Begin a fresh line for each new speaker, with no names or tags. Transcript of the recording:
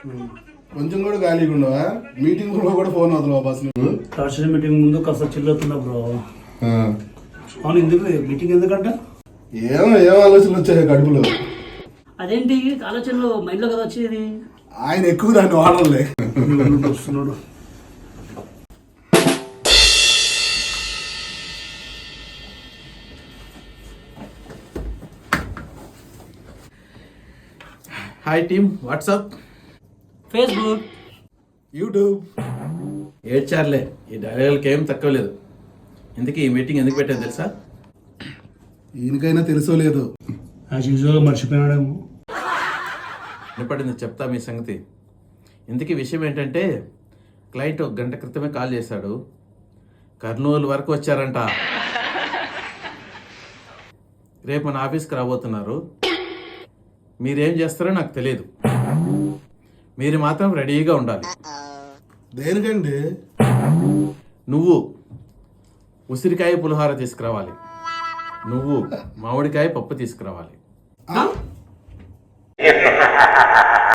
కొంచెం కూడా ఖాళీగా ఉండవా? మీటింగ్ కూడా ఫోన్ అవుతున్నావా బస్ నువ్వు?
టార్చర్ మీటింగ్ ముందు కాస్త చిల్లవుతున్నా బ్రో. అవును, ఎందుకు మీటింగ్ ఎందుకంట?
ఏం ఆలోచనలు వచ్చాయి కడుపులో?
అదేంటి ఆలోచనలు మైండ్లో కదా వచ్చేది?
ఆయన ఎక్కువ దాన్ని వాడలే.
వస్తున్నాడు.
Hi team, WhatsApp,
Facebook,
YouTube.
ఏడ్చారులే, ఈ డైలాగులకి ఏం తక్కువ లేదు. ఇందుకే ఈ మీటింగ్ ఎందుకు పెట్టాను తెలుసా?
ఈయనకైనా తెలుసో లేదు.
యాజ్ యూజువల్గా మర్చిపోయినాడేమో.
వినపడింది, చెప్తా మీ సంగతి. ఇందుకీ విషయం ఏంటంటే, క్లయింట్ 1 గంట క్రితమే కాల్ చేశాడు. కర్నూలు వరకు వచ్చారంట. రేపు మన ఆఫీస్కి రాబోతున్నారు. మీరేం చేస్తారో నాకు తెలియదు. మీరు మాత్రం రెడీగా ఉండాలి.
దేనికండి?
నువ్వు ఉసిరికాయ పులిహోర తీసుకురావాలి. నువ్వు మామిడికాయ పప్పు తీసుకురావాలి.